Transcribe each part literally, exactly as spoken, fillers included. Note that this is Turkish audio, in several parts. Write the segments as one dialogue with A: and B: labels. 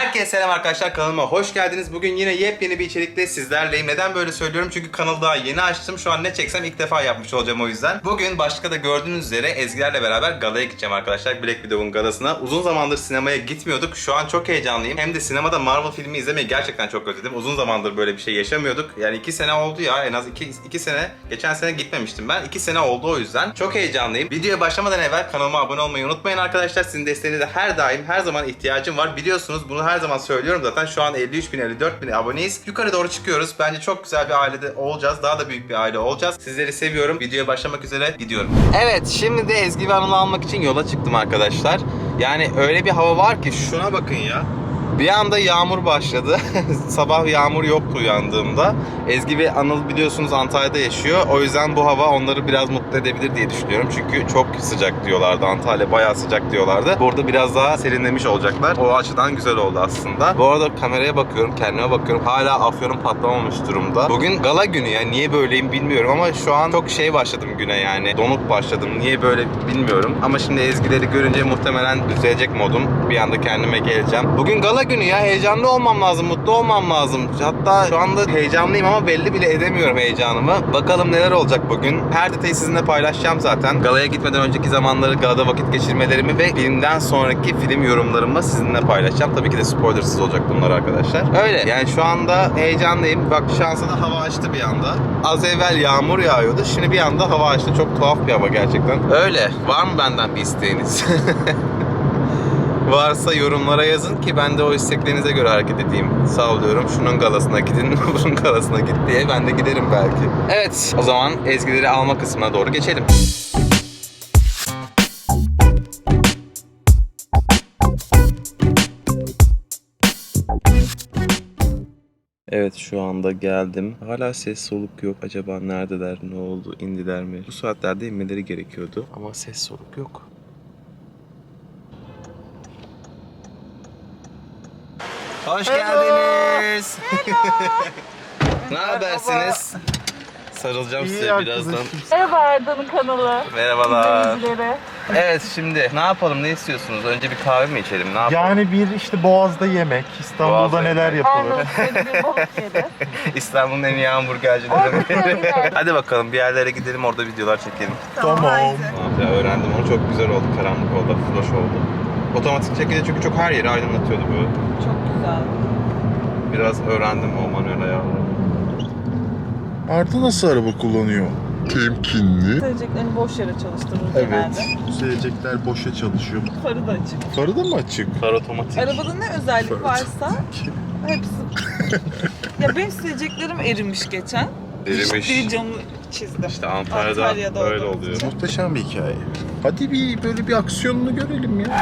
A: Herkese selam arkadaşlar, kanalıma hoş geldiniz. Bugün yine yepyeni bir içerikle sizlerleyim. Neden böyle söylüyorum? Çünkü kanalı daha yeni açtım. Şu an ne çeksem ilk defa yapmış olacağım o yüzden. Bugün başka da gördüğünüz üzere Ezgilerle beraber galaya gideceğim arkadaşlar. Black Widow'un galasına. Uzun zamandır sinemaya gitmiyorduk. Şu an çok heyecanlıyım. Hem de sinemada Marvel filmi izlemeyi gerçekten çok özledim. Uzun zamandır böyle bir şey yaşamıyorduk. Yani iki sene oldu ya. En az iki, iki sene. Geçen sene gitmemiştim ben. iki sene oldu o yüzden. Çok heyecanlıyım. Videoya başlamadan evvel kanalıma abone olmayı unutmayın arkadaşlar. Sizin desteğinize her daim her zaman ihtiyacım var. Biliyorsunuz bunu her zaman söylüyorum zaten. Şu an elli üç bin elli dört bin aboneyiz. Yukarı doğru çıkıyoruz. Bence çok güzel bir ailede olacağız. Daha da büyük bir aile olacağız. Sizleri seviyorum. Videoya başlamak üzere gidiyorum. Evet, şimdi de Ezgi ve Anıl'ı almak için yola çıktım arkadaşlar. Yani öyle bir hava var ki şuna bakın ya. Bir anda yağmur başladı. Sabah yağmur yoktu uyandığımda. Ezgi ve Anıl biliyorsunuz Antalya'da yaşıyor. O yüzden bu hava onları biraz mutlu edebilir diye düşünüyorum. Çünkü çok sıcak diyorlardı. Antalya bayağı sıcak diyorlardı. Burada biraz daha serinlemiş olacaklar. O açıdan güzel oldu aslında. Bu arada kameraya bakıyorum, kendime bakıyorum. Hala afyonum patlamamış durumda. Bugün gala günü ya. Niye böyleyim bilmiyorum ama şu an çok şey başladım güne yani. Donuk başladım. Niye böyle bilmiyorum. Ama şimdi Ezgileri görünce muhtemelen düzelecek modum. Bir anda kendime geleceğim. Bugün gala günü ya, heyecanlı olmam lazım, mutlu olmam lazım. Hatta şu anda heyecanlıyım ama belli bile edemiyorum heyecanımı. Bakalım neler olacak bugün. Her detayı sizinle paylaşacağım zaten. Galaya gitmeden önceki zamanları, galada vakit geçirmelerimi ve filmden sonraki film yorumlarımı sizinle paylaşacağım. Tabii ki de spoilersız olacak bunlar arkadaşlar. Öyle yani, şu anda heyecanlıyım. Bak, şansa da hava açtı bir anda. Az evvel yağmur yağıyordu. Şimdi bir anda hava açtı. Çok tuhaf bir hava gerçekten. Öyle. Var mı benden bir isteğiniz? Varsa yorumlara yazın ki ben de o isteklerinize göre hareket edeyim. Sallıyorum, şunun galasına gidin, bunun galasına git diye ben de giderim belki. Evet, o zaman Ezgileri alma kısmına doğru geçelim. Evet, şu anda geldim. Hala ses soluk yok. Acaba neredeler, ne oldu, indiler mi? Bu saatlerde inmeleri gerekiyordu ama ses soluk yok. Hoş geldiniz. Ne habersiniz? Sarılacağım size birazdan.
B: Merhaba Arda'nın kanalı.
A: Merhabalar.
B: İzleyicilere.
A: Evet, şimdi ne yapalım, ne istiyorsunuz? Önce bir kahve mi içelim, ne yapalım?
C: Yani bir işte Boğaz'da yemek, İstanbul'da
A: Boğaz'da
C: neler
A: yemek.
C: yapılır?
B: Arnavut bir balık yeri.
A: İstanbul'un en iyi hamburgercileri. Hadi bakalım bir yerlere gidelim, orada videolar çekelim.
C: Tamam.
A: Ya, öğrendim onu, çok güzel oldu, karanlık oldu, floş oldu. Otomatik şekilde çünkü çok her yeri aydınlatıyordu böyle.
B: Çok güzel.
A: Biraz öğrendim o manuel ayarları.
C: Arda nasıl araba kullanıyor? Temkinli.
B: Söyleyeceklerini boş yere çalıştırır
C: Evet.
B: genelde.
C: Silecekler boşa çalışıyor.
B: Farı da açık.
C: Farı da mı açık?
A: Far otomatik.
B: Arabada ne özellik varsa hepsi. Ya benim sileceklerim erimiş geçen.
A: Erimiş.
B: Bir camı çizdim.
A: İşte Antalya'da,
B: Antalya'da
A: öyle
B: olduğumuz
A: oluyor.
B: için.
C: Muhteşem bir hikaye. Hadi bir böyle bir aksiyonunu görelim ya.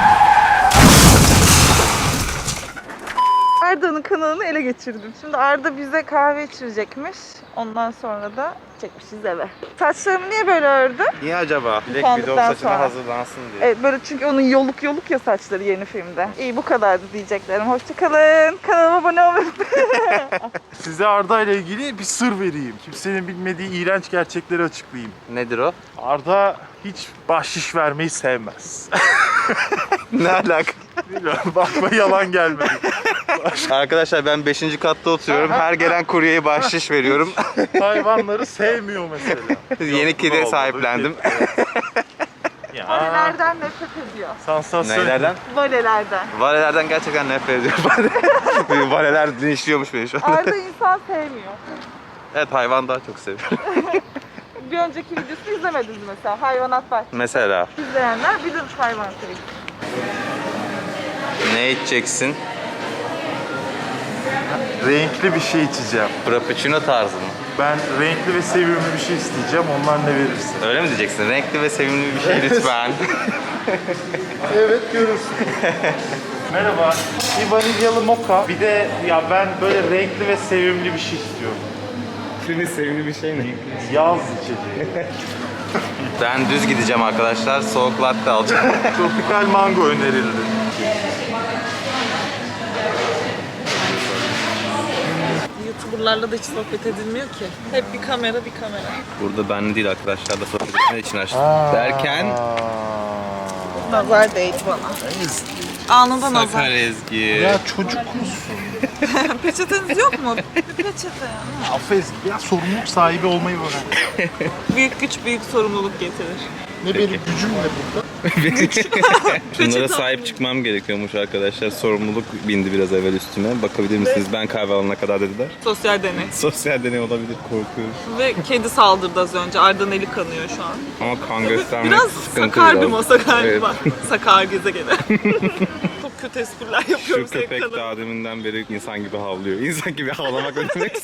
B: Arda'nın kanalını ele geçirdim. Şimdi Arda bize kahve içirecekmiş. Ondan sonra da çekmişiz eve. Saçlarımı niye böyle ördü?
A: Niye acaba? Black
B: Utandıktan
A: Widow saçına
B: sonra.
A: hazırlansın diye.
B: Evet, böyle çünkü onun yoluk yoluk ya saçları yeni filmde. İyi, bu kadardı diyeceklerim. Hoşçakalın. Kanalıma abone olmayı unutmayın.
C: Size Arda ile ilgili bir sır vereyim. Kimsenin bilmediği iğrenç gerçekleri açıklayayım.
A: Nedir o?
C: Arda hiç bahşiş vermeyi sevmez.
A: Ne alaka?
C: Bilmiyorum, bakma yalan gelmedi.
A: Arkadaşlar, ben beşinci katta oturuyorum. Her gelen kuryeye bahşiş veriyorum.
C: Hayvanları sevmiyor mesela.
A: Yeni
C: Yok, bu
A: kedi
C: da
A: sahiplendim.
C: olmadı. Ya.
B: Valelerden nefret ediyor.
C: Sansasyon.
A: Neylerden?
B: Valelerden.
A: Valelerden gerçekten nefret ediyorum. Valeler linçliyormuş beni şu an.
B: Arda insan sevmiyor.
A: Evet, hayvan daha çok seviyorum.
B: Bir önceki videosunu izlemediniz mesela. Hayvanat bahçesi.
A: Mesela
B: İzleyenler bilir hayvan sevgi.
A: ne içeceksin?
C: Renkli bir şey içeceğim.
A: Frappuccino tarzı mı?
C: Ben renkli ve sevimli bir şey isteyeceğim. Onlar ne verirsin?
A: Öyle mi diyeceksin? Renkli ve sevimli bir şey lütfen.
C: Evet, görürsün. Merhaba. Bir vanilyalı moka. Bir de ya ben böyle renkli ve sevimli bir şey istiyorum.
A: Senin sevimli bir şey ne?
C: Yaz içeceği.
A: Ben düz gideceğim arkadaşlar. Soğuk latte alacağım.
C: Tropikal mango önerildi.
B: YouTuber'larla da hiç sohbet edilmiyor ki. Hep bir kamera bir kamera.
A: Burada benle değil arkadaşlar da sohbet etmek için açtım. Derken
B: Nazar değdi bana. Anında
A: Sakar
B: nazar.
A: Ezgi.
C: Ya çocuk musun?
B: Peçeteniz yok mu? Bir peçete ya.
C: Affet, ya sorumluluk sahibi olmayı öğren.
B: Büyük güç büyük sorumluluk getirir.
C: Ne benim gücüm ne burada?
A: Şunlara sahip çıkmam gerekiyormuş arkadaşlar. Sorumluluk bindi biraz evvel üstüme. Bakabilir misiniz? Ben kahve alana kadar dediler.
B: Sosyal deney.
A: Sosyal deney olabilir, korkuyorum.
B: Ve kedi saldırdı az önce. Arda'nın eli kanıyor şu an.
A: Ama kan göstermek
B: Biraz
A: sıkıntı
B: sakar bir
A: biraz.
B: masa galiba.
A: Evet.
B: Sakar gezegeni. Çok kötü espriler yapıyorum.
A: Şu köpek
B: senin
A: daha deminden beri insan gibi havlıyor. İnsan gibi havlamak ne demek?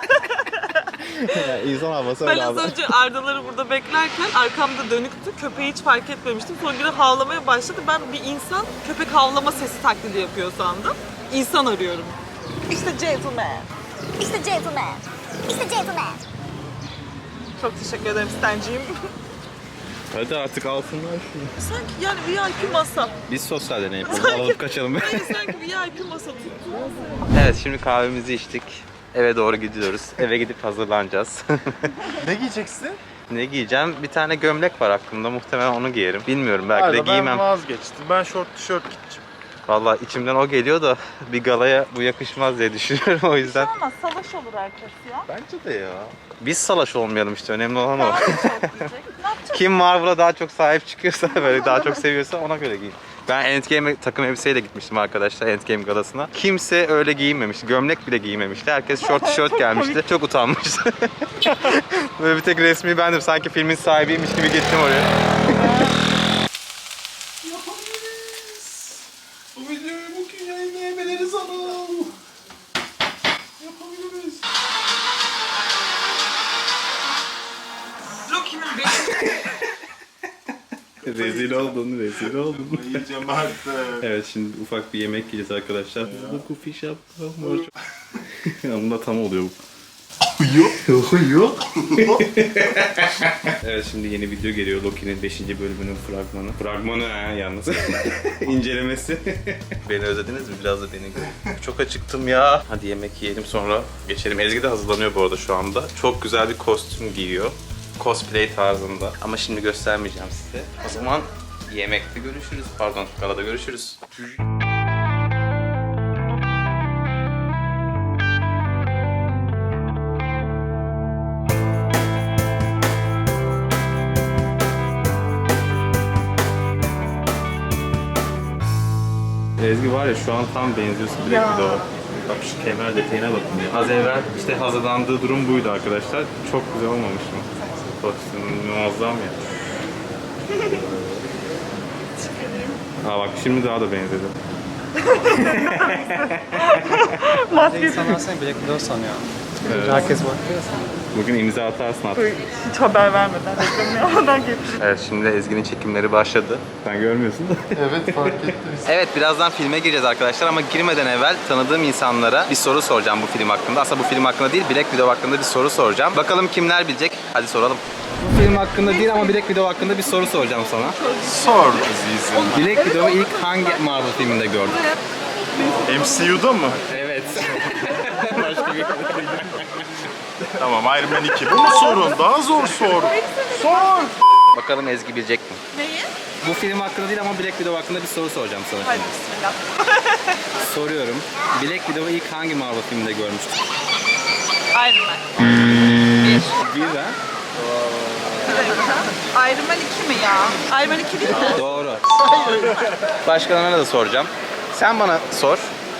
A: İnsan havası
B: Ben
A: öyle
B: az
A: abi.
B: önce Arda'ları burada beklerken arkamda dönüktü. Köpeği hiç fark etmemiştim. Sonra biri havlamaya başladı. Ben bir insan köpek havlama sesi taklidi yapıyor sandım. İnsan arıyorum. İşte gentleman.
D: İşte gentleman. İşte gentleman.
B: Çok teşekkür ederim Stancığım.
A: Hadi artık alsınlar şunu.
B: Sanki yani V I P masa.
A: Biz sosyal deney yapalım. Alıp kaçalım.
B: Hayır sanki V I P masa tuttu.
A: Evet, şimdi kahvemizi içtik. Eve doğru gidiyoruz. Eve gidip hazırlanacağız.
C: Ne giyeceksin?
A: Ne giyeceğim? Bir tane gömlek var aklımda. Muhtemelen onu giyerim. Bilmiyorum, belki de
C: Arda,
A: giymem.
C: ben vazgeçtim. Ben şort tişört gideceğim.
A: Vallahi içimden o geliyor da bir galaya bu yakışmaz diye düşünüyorum o yüzden.
B: Ama salaş olur herkes ya.
A: Bence de ya. Biz salaş olmayalım işte, önemli olan o.
B: Daha da çok diyecek. Ne yapacağız?
A: Kim Marvel'a daha çok sahip çıkıyorsa, böyle daha çok seviyorsa ona göre giyin. Ben Endgame takım elbiseyle gitmiştim arkadaşlar Endgame galasına. Kimse öyle giyinmemişti. Gömlek bile giymemişti. Herkes şort tişört gelmişti. Çok utanmıştı. Böyle bir tek resmi bendim. Sanki filmin sahibiymiş gibi gittim oraya.
C: Yapabiliriz. Bu videoyu bugün yayınlayabiliriz ama. Yapabiliriz.
B: Loki'nin beşinci
A: Rezil oldun, rezil oldun.
C: Yiyeceğim artık.
A: Evet, şimdi ufak bir yemek yiyeceğiz arkadaşlar. Bu kufi şapka mor. Bunda tam oluyor bu.
C: Yok. Yok.
A: Evet, şimdi yeni video geliyor. Loki'nin beşinci bölümünün fragmanı. Fragmanı ha yalnız. İncelemesi. Beni özlediniz mi? Biraz da beni görün. Çok acıktım ya. Hadi yemek yiyelim, sonra geçelim. Ezgi de hazırlanıyor bu arada şu anda. Çok güzel bir kostüm giyiyor. Cosplay tarzında. Ama şimdi göstermeyeceğim size. O zaman yemekte görüşürüz. Pardon, galada görüşürüz. Ezgi var ya, şu an tam benziyorsun Black Widow'a. Bak şu kemer detayına bakın ya. Az evvel işte hazırlandığı durum buydu arkadaşlar. Çok güzel olmamış mı? Kostümün muazzam ya. Aa bak, şimdi daha da benzedi.
E: İnsanlar seni Black Widow sanıyor.
A: Evet.
E: Herkes bakıyor sana.
A: Bugün imza atarsın artık.
B: hiç haber vermeden reklamını yapmadan getirdim.
A: Evet, şimdi Ezgi'nin çekimleri başladı. Sen görmüyorsun da.
C: Evet, fark ettiniz.
A: Evet, birazdan filme gireceğiz arkadaşlar ama girmeden evvel tanıdığım insanlara bir soru soracağım bu film hakkında. Aslında bu film hakkında değil, Black Widow hakkında bir soru soracağım. Bakalım kimler bilecek? Hadi soralım. Bu film hakkında değil ama Black Widow hakkında bir soru soracağım sana.
C: Sor azizim.
A: Black Widow'u ilk hangi Marvel filminde gördün?
C: M C U'da mı?
A: Evet. Başka bir
C: Tamam, Iron Man iki. Bu mu sorun? Daha zor sor. Sor.
A: Bakalım Ezgi bilecek mi?
B: Neyi?
A: Bu film hakkında değil ama Black Widow hakkında bir soru soracağım sana
B: Hadi
A: şimdi.
B: bismillah.
A: Soruyorum. Black Widow'u ilk hangi Marvel filminde görmüştün?
B: Iron Man. Bir.
A: Bir ha?
B: Iron Man iki mi ya? Iron Man iki değil mi?
A: Doğru. Başkalarına da soracağım. Sen bana sor.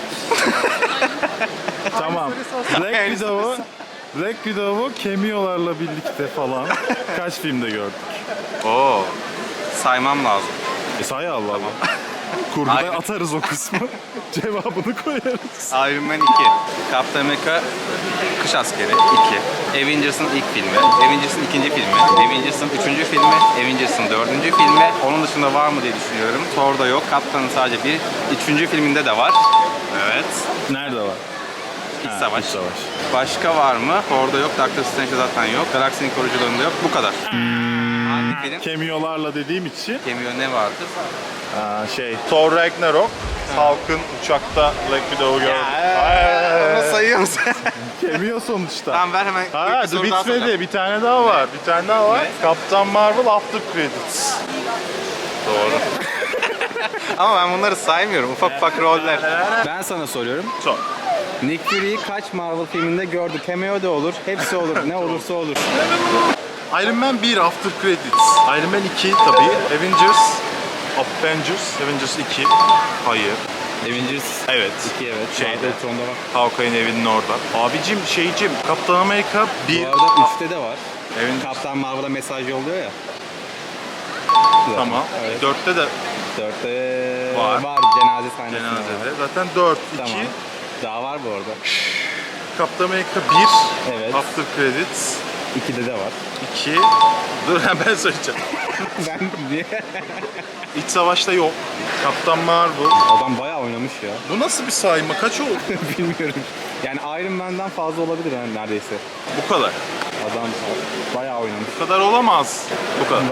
C: Tamam. Black Widow'u Black Widow'u cameo'larla birlikte falan kaç filmde gördük?
A: Oo. Saymam lazım.
C: E say Allah Allah. Kurguda
A: Aynen.
C: atarız o kısmı. Cevabını koyarız.
A: Iron Man iki. Captain America Kış Askeri iki. Avengers'ın ilk filmi. Avengers'ın ikinci filmi. Avengers'ın üçüncü filmi. Avengers'ın dördüncü filmi. Onun dışında var mı diye düşünüyorum. Thor'da yok. Captain'ın sadece bir. Üçüncü filminde de var. Evet.
C: Nerede var?
A: İç
C: Ha,
A: Savaş.
C: İç Savaş.
A: Başka var mı? Thor'da yok. Doctor Strange'de zaten yok. Galaksinin Koruyucularında yok. Bu kadar. Hangi film?
C: Cameo'larla dediğim için
A: Cameo ne vardı?
C: aa, şey Thor Ragnarok, Hulk'ın uçakta Black Widow'u gördük.
A: Onu sayıyor musun?
C: Cameo sonuçta.
A: Tamam, ver hemen.
C: Ha,
A: bir soru daha
C: bitmedi.
A: soracağım.
C: Bir tane daha var. Bir tane daha var.
A: Ne?
C: Captain Marvel After Credits.
A: Doğru. Ama ben bunları saymıyorum. Ufak ufak roller.
E: Ben sana soruyorum.
C: Sor.
E: Nick Fury'yi kaç Marvel filminde gördük? Cameo da olur, hepsi olur. Ne olursa olur.
C: Iron Man bir After Credits. Iron Man iki tabii. Avengers. Avengers. Avengers iki. Hayır.
E: Avengers
C: Evet.
E: iki evet.
C: Şeyde.
E: Şeyde. Ultron'da var.
C: Hawkeye'nin evinin orada. Abicim şeycim Kaptan Amerika bir.
E: Bu arada üçte de var.
C: Avengers.
E: Kaptan Marvel'a mesaj yolluyor ya.
C: Tamam.
E: Evet.
C: Dörtte de
E: Dörtte
C: Var.
E: var. Cenaze sahnesi var.
C: cenazede. Zaten dört,
E: Tamam.
C: iki.
E: Daha var bu arada.
C: Kaptan Amerika bir.
E: Evet.
C: After Credits.
E: ikide de var.
C: iki. Dur ben söyleyeceğim.
E: Ben diye.
C: İç Savaş'ta yok. Kaptan Marvel.
E: Adam bayağı oynamış ya.
C: Bu nasıl bir sayma? Kaç oldu?
E: Bilmiyorum. Yani Iron Man'den fazla olabilir yani neredeyse.
C: Bu kadar.
E: Adam bayağı oynamış.
C: Bu kadar olamaz. Bu kadar.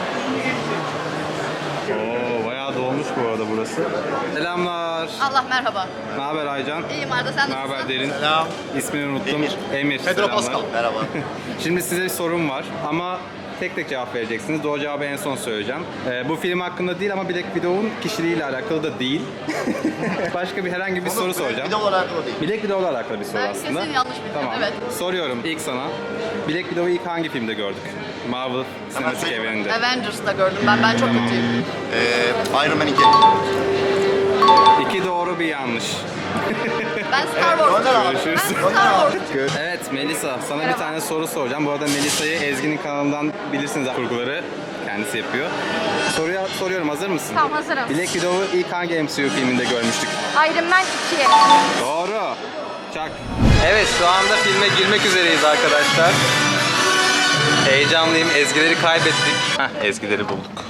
E: Oo, bayağı dolmuş bu arada burası. Selamlar.
F: Allah merhaba.
E: Ne haber Aycan?
F: İyiyim Arda, sen
E: Ne
F: nasılsın?
E: haber Derin?
G: Selam.
E: İsmini unuttum. Emir. Emir.
G: Pedro
E: selamlar.
G: Pascal. Merhaba.
E: Şimdi size bir sorum var ama tek tek cevap vereceksiniz. Doğru cevabı en son söyleyeceğim. Ee, bu film hakkında değil ama Black Widow'un kişiliğiyle alakalı da değil. Başka bir herhangi bir soru soracağım.
G: Bir de alakalı değil.
E: Black Widow'la alakalı bir soru
F: Ben
E: aslında.
F: kesin yanlış bildim,
E: Tamam.
F: evet.
E: Soruyorum ilk sana. Black Widow'u ilk hangi filmde gördük? Marvel sinematik
G: söyleyeyim.
E: evreninde.
F: Avengers'da gördüm ben. Ben çok
E: Tamam.
F: kötüyüm.
G: Ee, Iron Man iki.
E: İki doğru bir yanlış.
F: Ben Star Wars.
G: Gönder abi.
E: Görüşürüz.
F: Ben Star Wars.
E: Evet Melisa, sana bir
F: Merhaba.
E: tane soru soracağım. Bu arada Melisa'yı Ezgi'nin kanalından bilirsiniz kurguları kendisi yapıyor. Soruya soruyorum, hazır mısın?
D: Tamam, hazırım.
E: Black Widow'u ilk hangi M C U filminde görmüştük?
D: Iron Man iki.
E: Doğru. Çak.
A: Evet şu anda filme girmek üzereyiz arkadaşlar. Heyecanlıyım. Ezgileri kaybettik. Heh, ezgileri bulduk.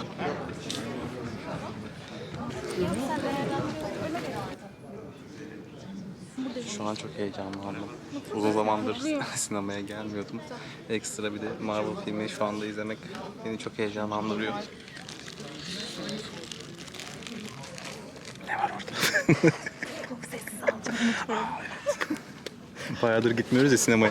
A: Şu an çok heyecanlandım. Uzun zamandır sinemaya gelmiyordum. Ekstra bir de Marvel filmi şu anda izlemek beni çok heyecanlandırıyor. Ne var orada?
E: Bayağıdır gitmiyoruz ya sinemaya.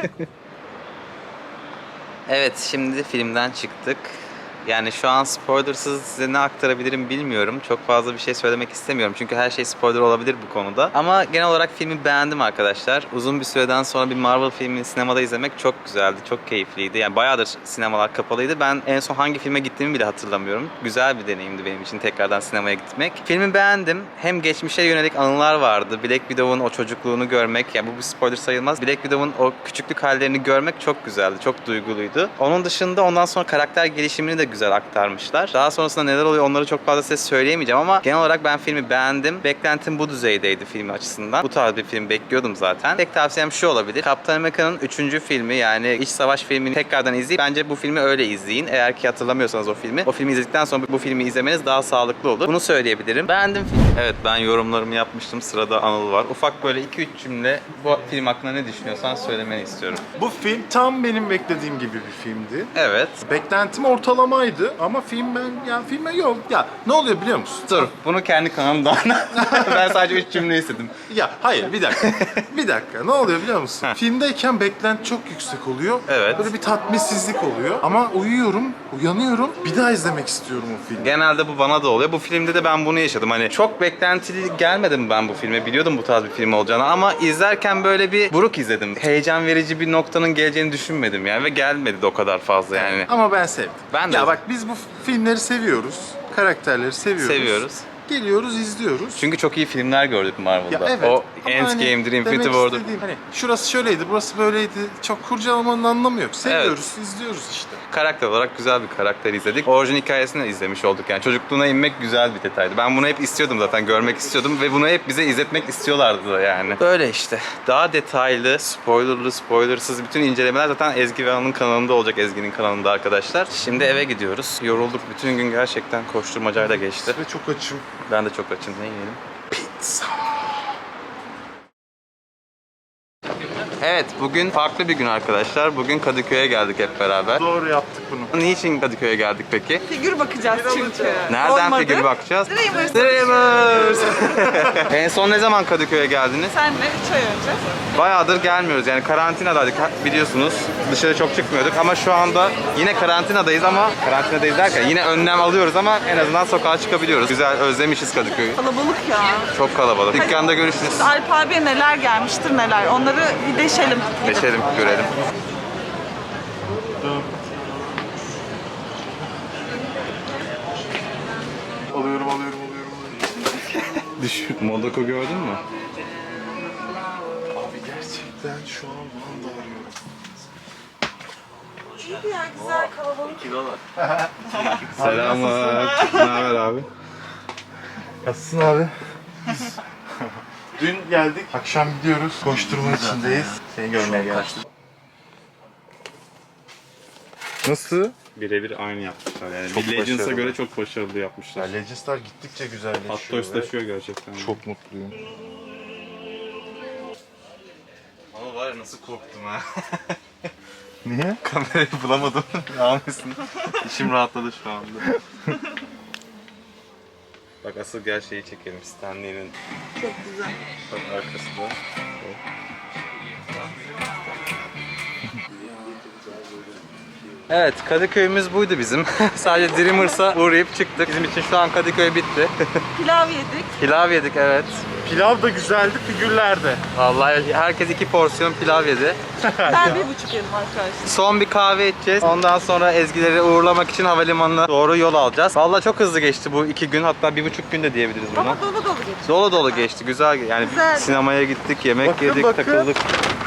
A: Evet, şimdi filmden çıktık. Yani şu an spoilersız size ne aktarabilirim bilmiyorum. Çok fazla bir şey söylemek istemiyorum. Çünkü her şey spoiler olabilir bu konuda. Ama genel olarak filmi beğendim arkadaşlar. Uzun bir süreden sonra bir Marvel filmini sinemada izlemek çok güzeldi. Çok keyifliydi. Yani bayağıdır sinemalar kapalıydı. Ben en son hangi filme gittiğimi bile hatırlamıyorum. Güzel bir deneyimdi benim için tekrardan sinemaya gitmek. Filmi beğendim. Hem geçmişe yönelik anılar vardı. Black Widow'un o çocukluğunu görmek. Yani bu bir spoiler sayılmaz. Black Widow'un o küçüklük hallerini görmek çok güzeldi. Çok duyguluydu. Onun dışında ondan sonra karakter gelişimini de güzel aktarmışlar. Daha sonrasında neler oluyor onları çok fazla size söyleyemeyeceğim ama genel olarak ben filmi beğendim. Beklentim bu düzeydeydi film açısından. Bu tarz bir film bekliyordum zaten. Tek tavsiyem şu olabilir. Kaptan Amerika'nın üçüncü filmi yani İç Savaş filmini tekrardan izleyin. Bence bu filmi öyle izleyin. Eğer ki hatırlamıyorsanız o filmi. O filmi izledikten sonra bu filmi izlemeniz daha sağlıklı olur. Bunu söyleyebilirim. Beğendim filmi. Evet ben yorumlarımı yapmıştım. Sırada Anıl var. Ufak böyle iki üç cümle bu film hakkında ne düşünüyorsan söylemeni istiyorum.
C: Bu film tam benim beklediğim gibi bir filmdi.
A: Evet.
C: Beklentim ortalamaydı ama film ben ya filme yok. Ya ne oluyor biliyor musun?
A: Dur bunu kendi kanalımdan. Ben sadece üç cümle istedim.
C: Ya hayır bir dakika. bir dakika. Ne oluyor biliyor musun? Filmdeyken beklenti çok yüksek oluyor.
A: Evet.
C: Böyle bir tatminsizlik oluyor. Ama uyuyorum, uyanıyorum. Bir daha izlemek istiyorum o filmi.
A: Genelde bu bana da oluyor. Bu filmde de ben bunu yaşadım. Hani çok beklentili gelmedim ben bu filme. Biliyordum bu tarz bir film olacağını ama izlerken böyle bir buruk izledim. Heyecan verici bir noktanın geleceğini düşünmedim yani ve gelmedi de o kadar fazla yani.
C: Ama ben sevdim.
A: Ben de
C: Ya
A: sevdim.
C: bak biz bu filmleri seviyoruz. Karakterleri seviyoruz.
A: Seviyoruz.
C: Geliyoruz, izliyoruz.
A: Çünkü çok iyi filmler gördük Marvel'da.
C: Ya evet.
A: O
C: ama
A: Endgame'dir,
C: hani
A: Infinity
C: demek
A: War'dur.
C: istediğim, Hani şurası şöyleydi, burası böyleydi. Çok kurcalamanın anlamı yok. Seviyoruz, izliyoruz işte.
A: Karakter olarak güzel bir karakter izledik. Orijin hikayesini de izlemiş olduk yani. Çocukluğuna inmek güzel bir detaydı. Ben bunu hep istiyordum zaten, görmek istiyordum ve bunu hep bize izletmek istiyorlardı da yani. Böyle işte. Daha detaylı, spoilerlı, spoilersız bütün incelemeler zaten Ezgi ve Anıl'ın kanalında olacak. Ezgi'nin kanalında arkadaşlar. Şimdi eve gidiyoruz. Yorulduk. Bütün gün gerçekten koşturmacayla geçti.
C: Ve çok açım.
A: Ben de çok açım. Ne yiyelim?
C: Pizza.
A: Evet, bugün farklı bir gün arkadaşlar. Bugün Kadıköy'e geldik hep beraber.
C: Doğru yaptık bunu.
A: Niçin Kadıköy'e geldik peki?
B: Figür bakacağız çünkü.
A: Nereden
B: Olmadı.
A: figür bakacağız?
B: Dreamers.
A: Dreamers. En son ne zaman Kadıköy'e geldiniz?
B: Senle üç ay önce.
A: Bayağıdır gelmiyoruz yani karantinadaydık biliyorsunuz. Dışarı çok çıkmıyorduk ama şu anda yine karantinadayız ama karantinadayız derken yine önlem alıyoruz ama en azından sokağa çıkabiliyoruz. Güzel, özlemişiz Kadıköy'ü.
B: Kalabalık ya.
A: Çok kalabalık. Dükkanda görüşürüz.
B: Alp abiye neler gelmiştir neler. Onları bir deşelim.
A: Geçelim, görelim.
C: Alıyorum, alıyorum, alıyorum.
A: Düşün. Modoko gördün mü?
C: Abi gerçekten şu an Van'da arıyorum.
B: İyi ya, güzel kalabalık.
A: Selamlar. Ne haber abi?
C: Nasılsın abi? Dün geldik, akşam gidiyoruz. Koşturma içindeyiz. Seni görmeye geldim. Nasıl?
E: Birebir aynı yapmışlar yani.
C: Çok
E: Bir Legends'a
C: başarılı.
E: göre çok başarılı yapmışlar.
C: Ya Legends'lar gittikçe güzelleşiyor.
E: Hatta
C: ve
E: üstleşiyor gerçekten.
C: Çok mutluyum.
A: Ama var ya nasıl korktum ha.
C: Niye?
A: Kamerayı bulamadım. Almışsın. İçim rahatladı şu anda. Bak asıl gerçeği çekelim. Stanley'nin
B: Çok güzel.
A: bak arkası da. Evet, Kadıköy'ümüz buydu bizim. Sadece Dreamers'a uğrayıp çıktık. Bizim için şu an Kadıköy bitti.
B: Pilav yedik.
A: Pilav yedik evet.
C: Pilav da güzeldi, figürler de.
A: Vallahi herkes iki porsiyon pilav yedi.
B: Ben bir buçuk yedim arkadaşlar.
A: Son bir kahve içeceğiz. Ondan sonra Ezgileri uğurlamak için havalimanına doğru yol alacağız. Vallahi çok hızlı geçti bu iki gün. Hatta bir buçuk gün de diyebiliriz buna.
B: Ama dolu dolu geçti.
A: Dolu dolu geçti. Güzel. Yani
B: Güzeldi.
A: sinemaya gittik, yemek
C: Bakın,
A: yedik,
C: bakın.
A: takıldık.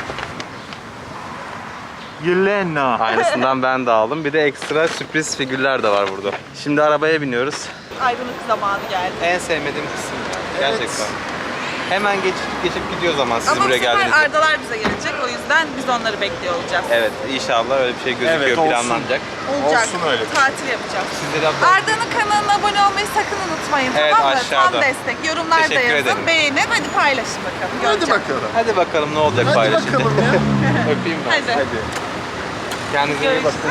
C: Yelena.
A: Aynısından ben de aldım. Bir de ekstra sürpriz figürler de var burada. Şimdi arabaya biniyoruz.
B: Ayrılık zamanı geldi.
A: En sevmediğim kısım. Gerçekten. Hemen geçip geçip gidiyoruz ama siz
B: Ama bu
A: buraya
B: sefer
A: geldiğinizde.
B: Ardalar bize gelecek. O yüzden biz onları bekliyor olacağız.
A: Evet, inşallah öyle bir şey gözüküyor,
C: Evet, olsun.
A: planlanacak.
B: Olacak.
C: Olsun öyle.
B: Tatil yapacağız.
A: Sizleri abla-
B: Arda'nın kanalına abone olmayı sakın unutmayın,
A: Evet,
B: tamam mı?
A: aşağıda.
B: Tam destek. Yorumlarda
A: Teşekkür
B: yazın,
A: ederim.
B: beğenin. Hadi paylaşın bakalım.
G: Hadi
B: göreceğiz.
G: bakalım.
A: Hadi bakalım ne olacak
G: Hadi
A: paylaşınca.
G: bakalım ya.
A: Öpeyim ben.
B: Hadi.
A: Kendinize iyi bakın.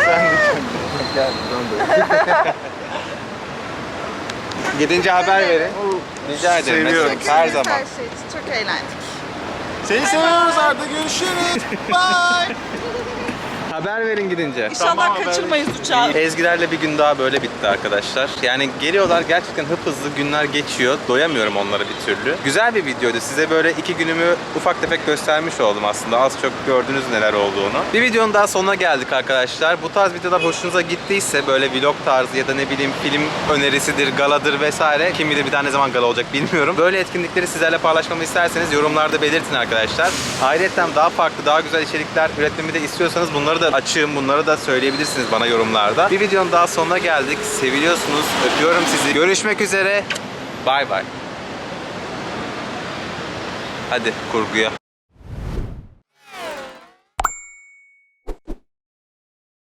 A: Gidince haber verin. Rica ederim.
C: Seviyorum.
A: Her
B: Teşekkür ederiz
A: zaman.
B: Her şey için. Çok eğlendik.
C: Seni seviyoruz Arda, görüşürüz. Bye.
A: Haber verin gidince.
B: İnşallah
C: Tamam,
B: kaçırmayız uçağı.
A: Ezgilerle bir gün daha böyle bitti arkadaşlar. Yani geliyorlar gerçekten hıp hızlı günler geçiyor. Doyamıyorum onlara bir türlü. Güzel bir videoydu. Size böyle iki günümü ufak tefek göstermiş oldum aslında. Az çok gördünüz neler olduğunu. Bir videonun daha sonuna geldik arkadaşlar. Bu tarz videolar hoşunuza gittiyse böyle vlog tarzı ya da ne bileyim film önerisidir, galadır vesaire. Kim bilir bir daha ne zaman gala olacak bilmiyorum. Böyle etkinlikleri sizlerle paylaşmamı isterseniz yorumlarda belirtin arkadaşlar. Ayrıca daha farklı, daha güzel içerikler üretmemi de istiyorsanız bunları da açığım. Bunları da söyleyebilirsiniz bana yorumlarda. Bir videonun daha sonuna geldik. Seviliyorsunuz. Öpüyorum sizi. Görüşmek üzere. Bay bay. Hadi kurguya.